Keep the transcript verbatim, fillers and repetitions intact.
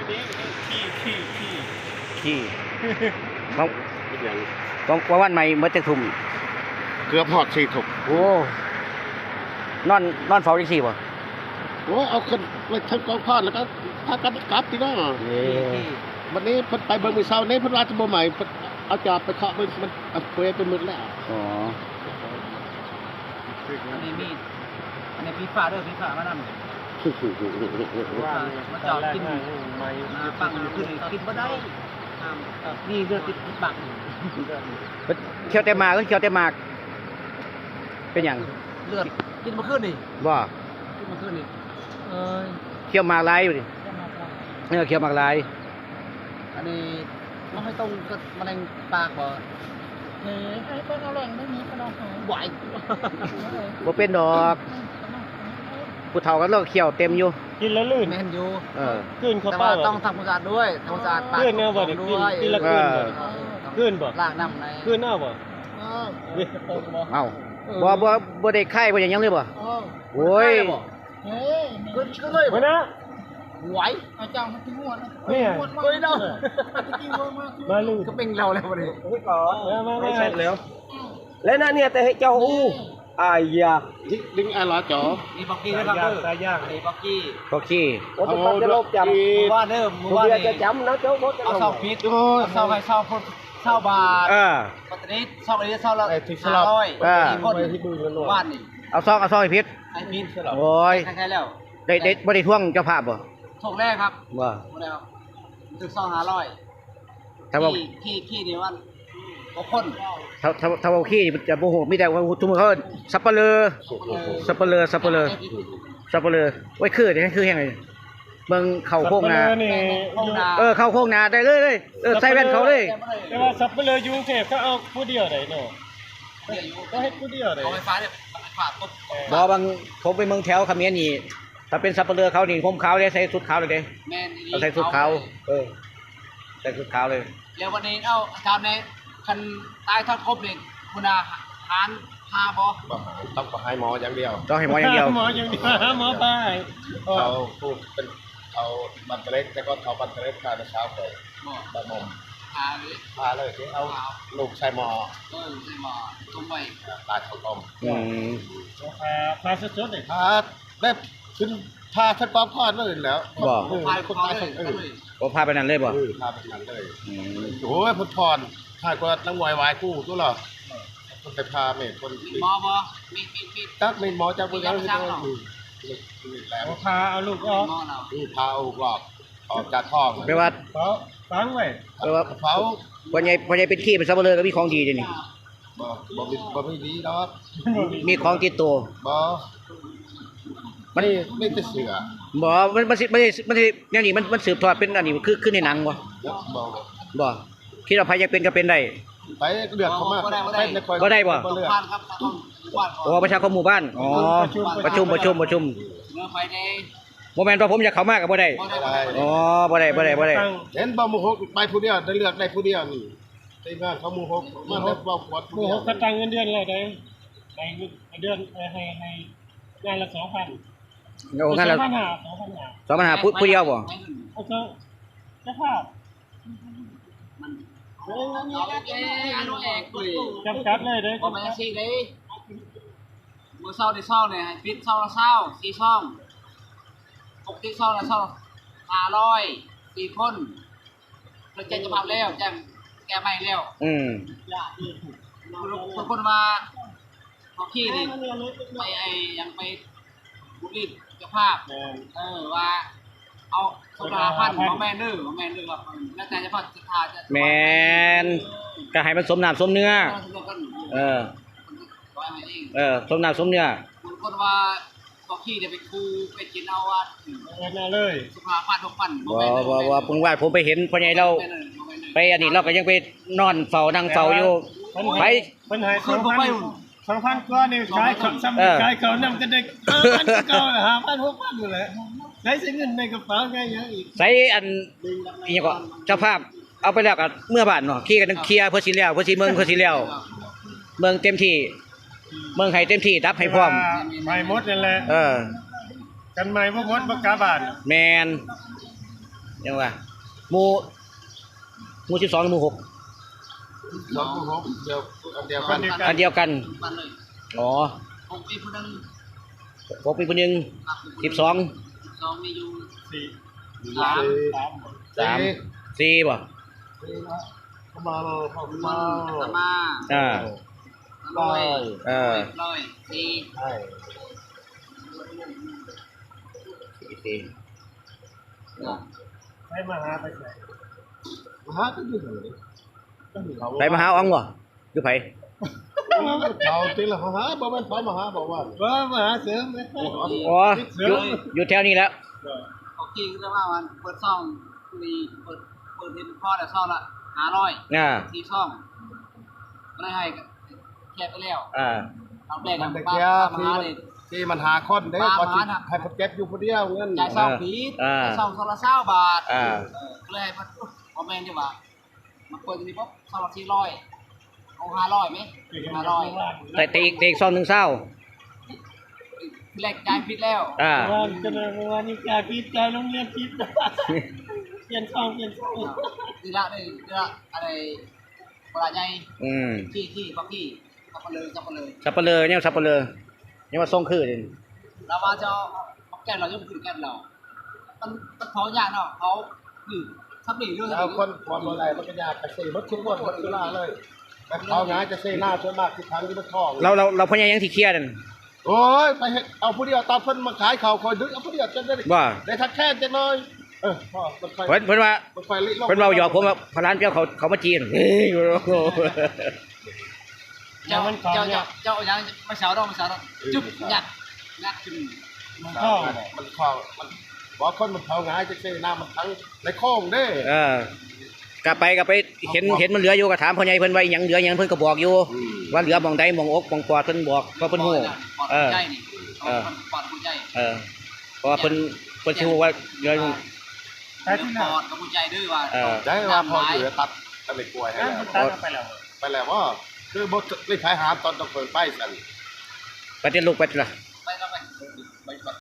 ขี้ขี้ขี้ขี้ของของวันใหม่เมื่อจะทุ่มเกือบหอดสี่ถุกโอ้นอนนอนเฝ้าที่สี่ป่ะโอ้เอาขึ้นไปทั้งกองพอดแล้วก็พากันกลับที่นั่นวันนี้เพิ่นไปเบิ่งมือเช้านี้เพิ่นว่าจะบ่ใหม่เอาจอบไปเคาะมันมันเปรย์ไปหมดแล้วอ๋ออันนี้มีดอันนี้พี่ฟ้าด้วยพี่ฟ้ามานำมาจอดกินมาปังขึ้นกินบ่ได้นี่เรื่องติดปักเคี้ยวแต่หมากก็เคี้ยวแต่หมากเป็นอย่างเลือดกินมาขึ้นนี่บ่กินมาขึ้นนี่เออเคี้ยวหมากลายอยู่ดิเออเคี้ยวหมากลายอันนี้มันไม่ต้องกับมะเร็งปากบ่เฮ้ยไอ้เป็นมะเร็งไม่มีกระดองหายไหวบ่เป็นดอกผู้เฒ่ากันแล้วเคี้ยวเต็มอยู่กินแล้วลื่นแม่นอยู่เออขึ้นเข้าไปต้องทำความสะอาดด้วยทำความสะอาดปากขึ้นเนี่ยบ่ได้กินกินละขึ้นบ่ขึ้นบ่ล้างน้ำในขึ้นเอาบ่เอ้าบ่บ่บ่ได้ไข้บ่อย่างยังเลยบ่โอ้ยเฮ้ยขึ้นขึ้นเลยบ่นะไหวอาจารย์มันทิ้งหัวนี่หัวเลยเนาะมาลื่นก็เป็นเราแล้วบ่ได้ไม่ก่อไม่เสร็จแล้วแล้วนั่นเนี่ยแต่ให้เจ้าอู้อายาดึงอะไรจ๋อมีบ็อกกี้นะครับเด้อตายยากนี่บ็อกกี้บ็อกกี้โอ้ต้องปัดจะลบจำว่าเด้อมื้อวานนี่จะจำนะเจ้าบ่จะเอาเซาพิษเอาเซาให้เซาคนเซาบาทเออปัตตานีเซาอันนี้เซาละห้าร้อยเออคนว่านนี่เอาซองเอาซองให้พิษให้พิษโอ้ยใครๆแล้วได้ได้บ่ได้ท่วงเจ้าภาพบ่ส่งแรกครับว่าบ่ได้ครับถึงซองห้าร้อยถ้าว่าขี้ขี้นี่วันบ่คนถ้าถ้าถ้าว่าขี้จะบ่ฮู้มีแต่ว่าทุกมื้อเขาสับปะเลอสับปะเลอสับปะเลอสับปะเลอโอ้ยคือนี่คือแฮงเลยเบิ่งเข้าโค้งนาเออเข้าโค้งนาได้เลยเลยเออใส่แว่นเขาเลยแต่ว่าสับปะเลออยู่กรุงเทพก็เอาผู้เดียวได้เนาะก็ให้ผู้เดียวได้เอาไฟฟ้าเนี่ยฝาตุ๊บบ่บางผมไปเมืองแถวเขมรนี่ถ้าเป็นสับปะเลอเขานี่ผมขาวเลยใส่ชุดขาวเลยเด้แม่นเอาใส่ชุดขาวเออใส่ชุดขาวเลยแล้ววันนี้เอ้าอาจารย์ในคันตายทอดครบนี่คุณอาหารพาบ่ต้องให้หมออย่างเดียวต้องให้หมออย่างเดียวหมออย่างเดียวหมอไปเขาพูดเป็นเขาบัตรเล็กแต่ก็เขาบัตรเล็กพาเช้าไปบะมมพาเลยพาเลยที่เอาลูกชายหมอเออใช่หมอตรงไปตายเขาต้มอืมพาพาสดๆเลยพาแบบขึ้นพาทัดปอบพอดเลยแล้วบ่พาคนตายเออบ่พาไปนั่นเลยบ่พาไปนั่นเลยโอ้ยพุทธพรถ้าก็นักมวยวายกู้ตัวหรอคนไปพาเมฆคนหมอบ่มีมีมีตักเมฆหมอจากเมืองนั้นแล้วพาเอาลูกออกพาเอาหลอกออกจากท้องแปลว่าเฝ้าฟังไว้แปลว่าเฝ้าพ่อใหญ่พ่อใหญ่เป็นขี้เป็นสับปะเลอก็มีของดีเด้นี่บ่บ่มีบ่มีดีดอกมีของติดตัวบ่มันไม่ได้เสือบ่มันมันสิมันสิมันสิแนวนี้มันมันสืบทอดเป็นอันนี้คือคือในหนังบ่บ่บ่คิดว่าใครจะเป็นก็เป็นได้ไปเดือดเข้ามาก็ได้บ่บ้านครับบ้านอ๋อประชาคมหมู่บ้านอ๋อประชุมประชุมประชุมเมื่อไปในบ่แม่นว่าผมอยากเข้ามาก็บ่ได้อ๋อบ่ได้บ่ได้บ่ได้เห็นบ่หมู่หกไปผู้เดียวได้เลือกได้ผู้เดียวนี่ได้งานเขาหมู่หกมาได้บ่ปวดหมู่หกก็ตั้งเงินเดือนแล้วได้ให้เดือนให้ให้งานละ สองพันโอ้งานละสองพันห้าสองพันห้าผู้เดียวบ่เอาเถอะเจ้าภาพมันโอ้ยนี่แกอันนู้นเองปุ้ยจำกัดเลยเด้อบ่แม่นสิเด้มื้อเช้าได้เช้าเนี่ยให้ปิดเช้าละเช้าสี่ช่องปกติเช้าละเช้าห้าร้อยสี่คนเพิ่นแจ้งจะพับแล้วแจ้งแก้ใหม่แล้วอืมบางคนมาเฮาขี้นี่ไปไอ้ยังไปบุรีเจ้าภาพเออว่าเอาสองพันบ่แม่นเด้อบ่แม่นเด้อครับแล้วแต่เฉพาะศรัทธาจะแม่นก็ให้มันสมน้ำสมเนื้อเออเออสมน้ำสมเนื้อบางคนว่าบ่ขี้จะไปคูไปกินเอาว่าเงินมาเลยสุภาพันธ์หกพันบ่บ่บ่ผมว่าผมไปเห็นพ่อใหญ่เราไปอันนี้เราก็ยังไปนอนเฝ้านั่งเฝ้าอยู่ไปเพิ่นให้สองพัน สองพันกว่านี่ขายของซ้ำขายของนำกันได้ห้าพันเก่าล่ะห้าพัน หกพันอยู่แหละได้สิเงินในกระเป๋าไงเยอะอีกใส่อันอีหยังก็เจ้าภาพเอาไปแล้วก็เมื่อบ้านเนาะขี้กันเคลียร์เพื่อสิแล้วเพื่อสิเมืองเพื่อสิแล้วเมืองเต็มที่เมืองให้เต็มที่ดับให้พร้อมไม่หมดนั่นแหละเออกันไม่บ่หมดบ่กาบานแม่นยังว่าหมู่หมู่สิบสองหรือหมู่หกสองหกเดียวอันเดียวกันอันเดียวกันบ้านเลยอ๋อผมมีผู้นึงหกปีคนหนึ่งสิบสองสองมีอยู่สี่สามสามสี่บ่เข้ามาเลยเข้ามัมานตมาอ่าลอยเออลอยสี่ใช่สี่สี่ให้มาหาไปใส่มาหาก็อยู่เลยไปมาหาอ๋องบ่อยู่ไผเขาจริงเหรอเขาหาบอกว่าเขามาหาบอกว่าว่ามาหาเสริมไหมอ๋ออยู่อยู่แถวนี้แล้วเขากี้ก็จะว่ามันเปิดซ่องมีเปิดเปิดเห็นพ่อแต่ซ่องละห้าร้อยอ่าที่ซ่องไม่ได้ให้แคบไปแล้วอ่าเอาแบกมักัน นตะป้าเกียป้าที่มามันเลยที่มันหาคนเด้ปลาพอหมาจิน่ะให้คนเก็บอยู่คนเดียวเงินจ่ายซ่องผีจ่ายซ่องโซลาเซลบาทอ่าเออก็เลยให้มันพอแมนดีกว่ามันเปิดตรงนี้ปุ๊บซ่องละสี่ร้อยเอาห้าร้อยไหมห้าร้อยแต่แต่อีกแต่อีกซองหนึ่งเศร้าแรกจ่ายผิดแล้วอ่าวันจะเลยวันนี้จ่ายพิษจ่ายโรงเรียนพิษเปลี่ยนช่องเปลี่ยนช่องทีละเลยทีละอะไรเวลาใหญ่อืมที่ที่บางที่จับมาเลยจับมาเลยสับปะเลอเนี่ยสับปะเลอเนี่ยมาส่งคือเด่นเราว่าจะเอาแก้มเรายกขึ้นแก้มเรา มันมันเขายากเนาะเขาคือทับหลีเรื่องเอาคนความอะไรมันก็ยากจะเซ่รถทุกคนรถทุกล่าเลยแต่เขาง่ายจะเซ่หน้าส่วนมากที่ทางที่มันคล้องเราเราเราพยายามที่เคลียร์นั่นโอ้ยไปเฮ็ดเอาผู้เดียวตามเพิ่นมาขายเขาคอยดึงเอาผู้เดียวจะได้ว่าได้ทักแค่จะน้อยเออพ่อมันไฟเพิ่นเพิ่นว่ามันไฟลิลงเพิ่นเราหยอกผมว่าพลานเจ้าเขาเขามาจีนเฮ้ยโอ้โหเจ้าเจ้าเจ้าเจ้าอย่างมาเสาดอกมาเสาดอกจุ๊บยัดยัดขึ้นมันเข้าเข้ามันคล้องมันบอกคนมันเขาง่ายจะเซ่หน้ามันทั้งในคล้องเด้เออกลับไปกลับไปเห็นเห็นมันเหลืออยู่ก็ถามพ่อใหญ่เพิ่นว่าอิหยังเหลืออิหยังเพิ่นก็บอกอยู่ ว่าเหลือหม่องใดหม่องอกหม่องปอดเพิ่นบอกเพราะเพิ่นฮู้ปอดเออใจนี่ปอดหัวใจเออเพราะว่าเพิ่นเพิ่นสิฮู้ว่าเหลืออยู่แต่ที่ปน่ะอดกับหัวใจด้วยว่าเออได้ว่าพออยู่จะตัดอะไรกล้วยให้นั่นแล้วมันตัดไปแล้วไปแล้วว่าคือบทรีบขายหามตอนต้องเปิดป้ายสั่นไปเต้นลูกไปเถอะไปแล้วไป